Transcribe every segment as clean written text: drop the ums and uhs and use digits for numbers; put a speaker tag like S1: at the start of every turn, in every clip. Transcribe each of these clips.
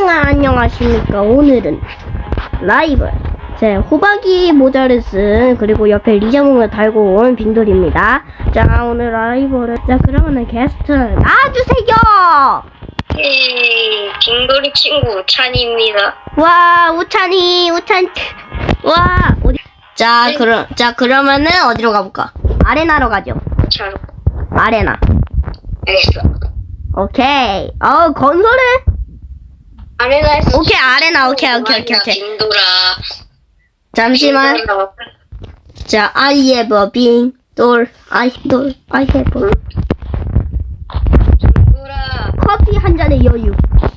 S1: 안녕하십니까. 오늘은 라이벌 제 호박이 모자를 쓴 그리고 옆에 리자몽을 달고 온 빙돌입니다. 자, 오늘 라이벌을 그러면은 게스트 나와주세요.
S2: 빙돌이 친구 우찬입니다.
S1: 와, 우찬 와, 어디? 자, 그러면은 어디로 가볼까? 아레나로 가죠.
S2: 잘
S1: 아레나.
S2: 알겠어.
S1: 오케이. 건설해.
S2: 아레나에서
S1: 오케이, 아레나. 오케이.
S2: 빙돌아.
S1: 잠시만.
S2: 빙돌아.
S1: 자, I have a 빙돌. I have a
S2: 빙돌아.
S1: 커피 한 잔의 여유.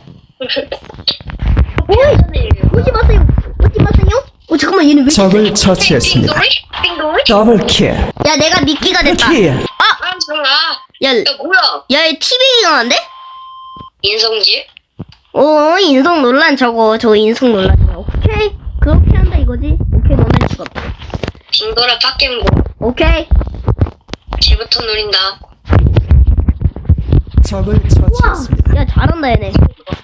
S1: 오지 마세요. 잠깐만, 얘는 왜
S3: 적을 처치했습니다.
S2: 빙돌이?
S3: 더블킬.
S1: 야, 내가 미끼가 됐다.
S3: 킬.
S2: 잠깐만.
S1: 야,
S2: 야, 뭐야?
S1: 야, 얘 TV가 나는데?
S2: 인성질?
S1: 인성 논란 저거 인성 논란이야. 오케이. 그렇게 한다 이거지? 오케이, 너네 죽었다.
S2: 빙돌아 빡겜고.
S1: 오케이.
S2: 쟤부터 노린다.
S3: 적을
S1: 우와.
S3: 처치했습니다.
S1: 야, 잘한다, 얘네.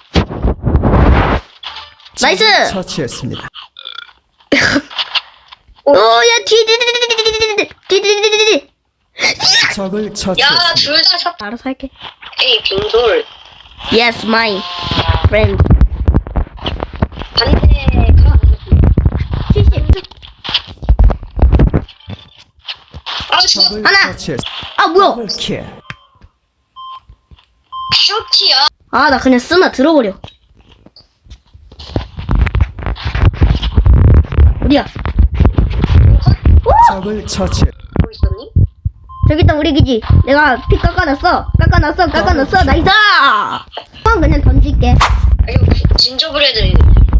S1: 나이스!
S3: 적을 처치했습니다.
S1: 야, 뒤.
S3: 적을
S2: 야,
S3: 처치했습니다.
S2: 둘 다 쳤다.
S1: 알아서 할게.
S2: 에이, 빙돌.
S1: Yes, my friend.
S2: 반대 가.
S1: 70.
S2: 죽어.
S3: 적을
S1: 하나.
S3: 처치했습니다.
S1: 뭐야?
S3: 더블킬.
S2: 쇼티야.
S1: 나 그냥 쓰나 들어버려. 어디야?
S3: 적을 처치.
S2: 뭐 있었니?
S1: 저기 있다, 우리 기지. 내가 피 깎아놨어. 나이스! 그냥 던질게.
S2: 진저브레드.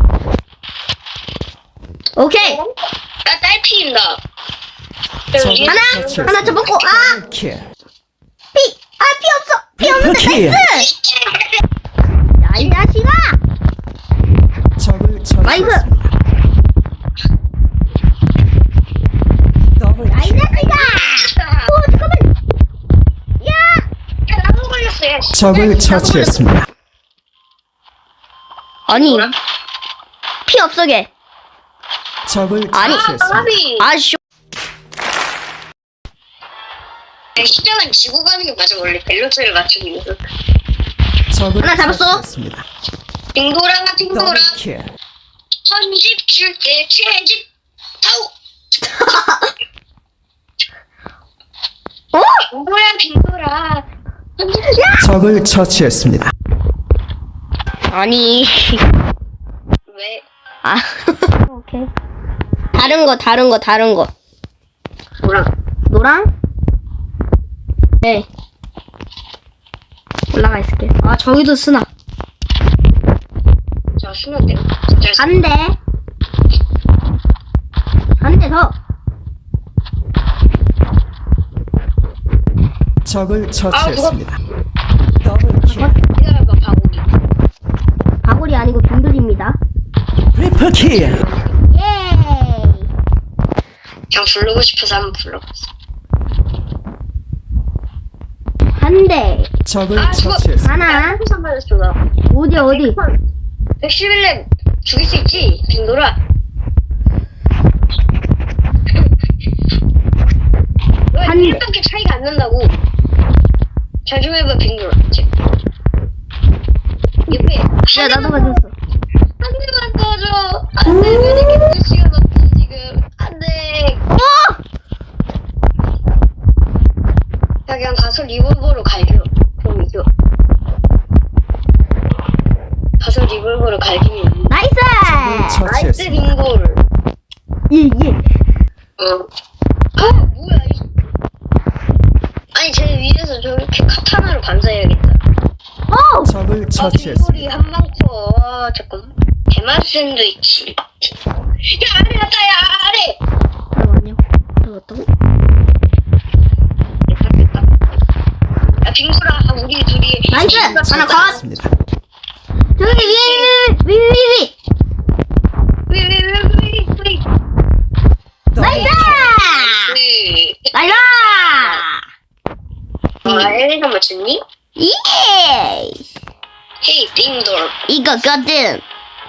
S1: 오케이.
S2: 나 딸피입니다.
S1: 하나 쳐먹고,
S3: 더블킬.
S1: 피 없어! 피 없는데,
S3: 킬.
S1: 나이스! 야, 이 자식아!
S3: 적을
S1: 나이스!
S3: 처치했습니다.
S1: 야, 이
S3: 더블킬.
S1: 자식아! 잠깐만! 야!
S2: 나무 걸렸어. 야,
S3: 적을 처치했습니다.
S1: 아니,
S2: 뭐라?
S1: 피 없어, 걔.
S3: 적을
S1: 아니.
S3: 처치했습니다.
S2: 까비.
S1: 쇼.
S2: 시장은 지고 가는 게 맞아. 원래 밸런스를 맞추기 위해서.
S3: 적을
S1: 하나 잡았어.
S3: 처치했습니다.
S2: 빙돌아.
S3: 더블킬.
S2: 선집 줄게. 채집. 타오. 빙돌아. 선집 줄게.
S3: 적을 처치했습니다.
S1: 아니.
S2: 왜?
S1: 오케이. 다른 거.
S2: 뭐라?
S1: 노랑? 네. 올라가 있을게. 저기도 쓰나.
S2: 자, 수면 돼.
S1: 한 대 더.
S3: 적을 처치했습니다. 더블킬.
S2: 기다려봐, 바보기.
S1: 바구리 아니고 빙돌입니다.
S3: 트리플킬.
S1: 예이.
S2: 그냥 부르고 싶어서 한번 불러봤어.
S1: 한 대.
S3: 적을
S2: 죽어.
S3: 처치했습니다.
S1: 하나.
S2: 한번 받았어, 나.
S1: 어디?
S2: 111렙 죽일 수 있지, 빙돌아.
S1: 한
S2: 왜
S1: 대.
S2: 1밖에 차이가 안 난다고. 잘 좀 해봐, 빙돌아. 옆에
S1: 야, 나도 가졌어.
S2: 한 대만 떠줘. 안 돼, 왜 이렇게 글씨가 없지, 지금. 안 돼. 야, 그냥 가서 리볼버로 갈겨. 그럼 이겨. 가서 리볼버로 갈기면.
S1: 나이스!
S2: 나이스,
S3: 처치했습니다.
S2: 빙돌.
S1: 예.
S2: 뭐야, 아니, 쟤 위에서 저렇게 카타나로 반사해야겠다.
S3: 적을
S2: 빙돌이
S3: 처치했습니다.
S2: 한 방커. 잠깐만. 대만 샌드위치. 야, 아래 갔다, 야, 아래!
S1: 잠깐만요. 들어갔다고?
S2: 됐다. 야, 빙돌아, 우리 둘이.
S1: 나이스! 하나 컷!
S3: 처치했습니다.
S1: 저기 위!
S2: 위.
S1: 나이스! 나이스!
S2: 엘리가 맞췄니?
S1: 예!
S2: 헤이 띵돌.
S1: 이거거든.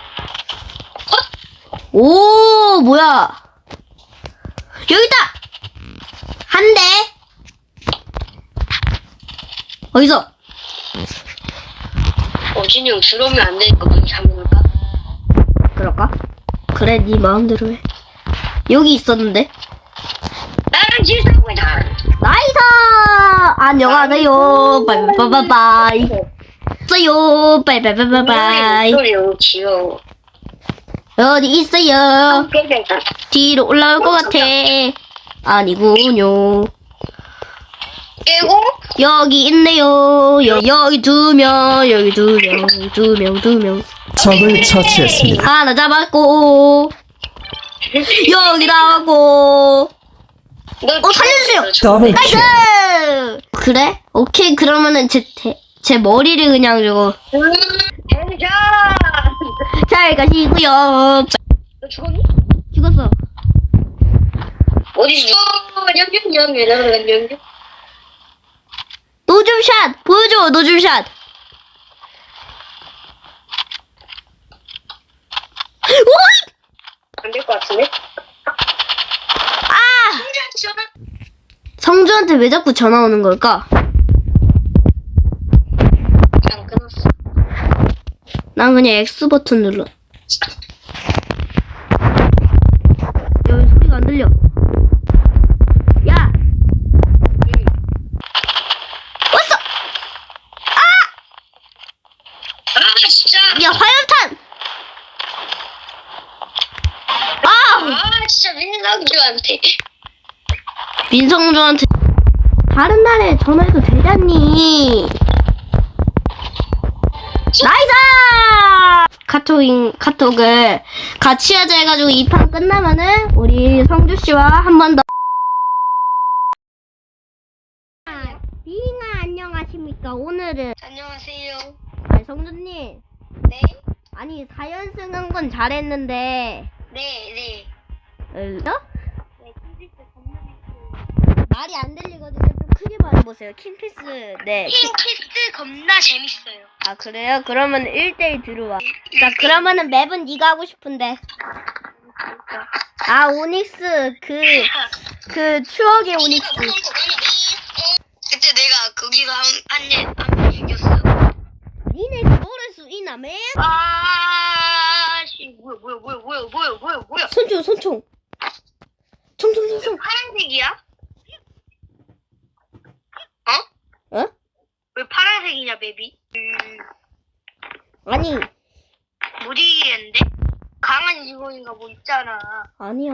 S1: 오, 뭐야. 여기다! 한 대. 어디서?
S2: 진이 형 들어오면 안 되니까 문 잠글까?
S1: 그럴까? 그래, 네 마음대로 해. 여기 있었는데.
S2: 나는 질서구이다.
S1: 나이스! 안녕하세요. 바이바이바이. 있어요. 바이바이바이바이.
S2: 소리 너무 귀여워.
S1: 어디 있어요? 뒤로 올라올 것 같아. 아니군요.
S2: 깨고
S1: 여기 있네요. 여기 두 명, 여기 두 명, 두 명.
S3: 적을 처치했습니다.
S1: 하나 잡았고, 여기 나왔고. 살려주세요.
S3: 더블 킬.
S1: 나이스! 그래? 오케이, 그러면은 제 머리를 그냥 저거.
S2: 대자.
S1: 잘 가시고요.
S2: 너 죽었니?
S1: 죽었어.
S2: 어디 죽어? 냠냠냠냠냠냠.
S1: 노줌샷! 보여줘, 노줌샷! 오이!
S2: 안될 것 같은데?
S1: 아! 성주한테 왜 자꾸 전화 오는 걸까?
S2: 안 끊었어.
S1: 난 그냥 X 버튼 눌러. 여기 소리가 안 들려. 야! 왔어!
S2: 아 진짜.
S1: 야, 화염탄! 아!
S2: 아 진짜 민성주한테.
S1: 민성주한테 다른 날에 전화해도 되잖니. 나이스! 카톡을 같이 하자 해가지고 이 판 끝나면은 우리 성주씨와 한 번 더. 비잉아 안녕하십니까. 오늘은
S2: 안녕하세요.
S1: 아니, 성주님,
S2: 네?
S1: 아니 4연승 한 건 잘했는데
S2: 네.
S1: 어?
S2: 네, 킹피스 겁나
S1: 말이 안 들리거든요. 좀 크게 말해보세요. 킹피스. 네.
S2: 킹피스 겁나 재밌어요.
S1: 아, 그래요? 그러면 1대1 들어와. 자, 그러면은 맵은 네가 하고 싶은데. 아, 오닉스. 그 추억의 오닉스.
S2: 그때 내가 거기서 한대 죽였어.
S1: 니네 그거를 수이나 맨?
S2: 아씨 뭐야?
S1: 손총. 총.
S2: 파란색이야? 어?
S1: 어?
S2: 왜 파란색이냐 맵이?
S1: 아니,
S2: 못 이기겠는데? 강한 직원인가 뭐 있잖아.
S1: 아니야.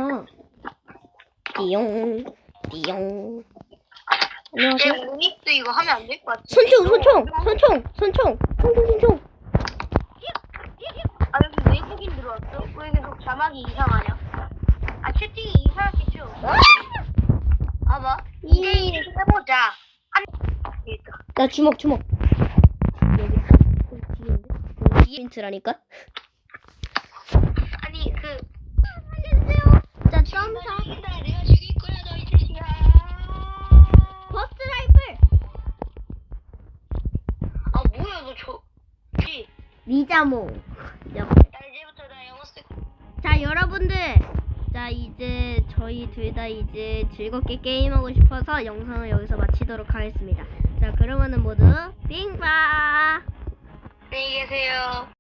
S1: 띠용.
S2: 내
S1: 안녕하세요.
S2: 오닉스 이거 하면 안 될 것 같아.
S1: 손총.
S2: 아 여기 외국인 들어왔어? 왜 계속 자막이 이상하냐? 아 채팅이 이상하겠죠? 봐봐 2대1 해보자. 되겠다.
S1: 나 주먹. 여기 뒤에 힌트라니까?
S2: 아니
S1: 살려주세요. 자, 점사.
S2: 내가 죽일 거야 너 이 자식아.
S1: 버스트 라이플.
S2: 아 뭐야 너
S1: 리자몽.
S2: 나 이제부터 나 영어 쓸.
S1: 자, 여러분들. 자, 이제 저희 둘 다 이제 즐겁게 게임하고 싶어서 영상을 여기서 마치도록 하겠습니다. 자, 그러면은 모두 빙바.
S2: 안녕히 계세요.